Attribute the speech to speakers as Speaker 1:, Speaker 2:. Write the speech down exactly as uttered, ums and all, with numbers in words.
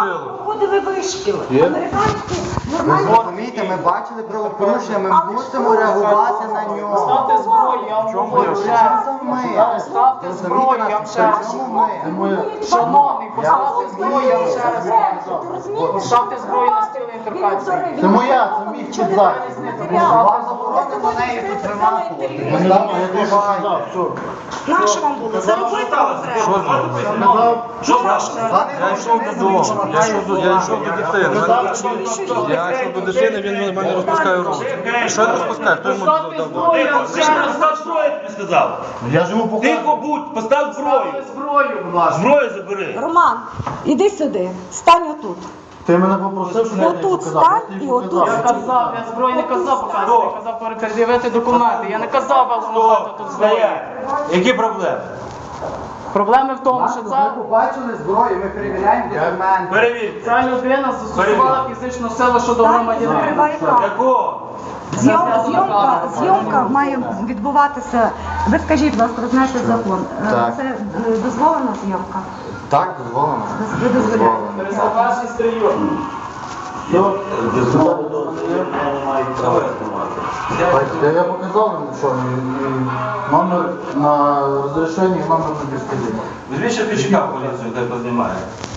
Speaker 1: проходили вишкіл. Американські
Speaker 2: Ви
Speaker 1: нормальні.
Speaker 2: розумієте, ми бачили правопорушення, ми мусимо реагувати на нього.
Speaker 3: Ставте зброю, я вам говорю ще раз.
Speaker 2: Ми.
Speaker 3: Ставте зброю, я вам ще раз говорю. Шановний, поставте зброю, я вам ще раз кажу. Поставте зброю на стіл і торкайтеся.
Speaker 2: Це моя, це мій підзак. Вам заборонено неї тут тримати.
Speaker 1: Нащо вам було? Заробити вам треба.
Speaker 4: Що Я йшов додому, я йшов до, я йшов до дитини. Я йшов до дитини, він мене розпускає руки. Що він розпускає? Хто йому дав?
Speaker 5: Ти ж постав зброю, я тобі сказав.
Speaker 2: Я ж йому показую.
Speaker 5: Тихо будь, постав зброю.
Speaker 3: Зброю, будь ласка.
Speaker 5: Зброю забери.
Speaker 1: Роман, іди сюди, стань отут.
Speaker 2: Ти мене попросив, щоб я тобі
Speaker 1: Отут
Speaker 2: показав.
Speaker 1: стань
Speaker 2: Я тобі
Speaker 1: і отут.
Speaker 2: показав.
Speaker 3: Я казав, я зброю не казав показувати, я казав передивити документи. Я не казав вам показати тут зброю.
Speaker 5: Стоять. Які проблеми?
Speaker 3: Проблеми в тому, що це...
Speaker 2: Ми побачили зброю, ми перевіряємо документи.
Speaker 5: Перевірте.
Speaker 3: Ця людина застосувала фізичну силу щодо
Speaker 1: Стань і
Speaker 3: громадянина.
Speaker 1: закривай камеру.
Speaker 5: Якого?
Speaker 1: Зйомка, зйомка, зйомка має відбуватися. Ви скажіть, будь ласка, ви знаєте закон. Е,
Speaker 2: Так.
Speaker 1: Це е, дозволена зйомка?
Speaker 2: Так, дозволено.
Speaker 1: Ви дозволяєте?
Speaker 3: Перезапашний стрільок.
Speaker 2: Я, я показав йому, що і- і номер на розрішенні, і номер на безпеці.
Speaker 5: Візьміть ще пічка в поліцію, де познімає.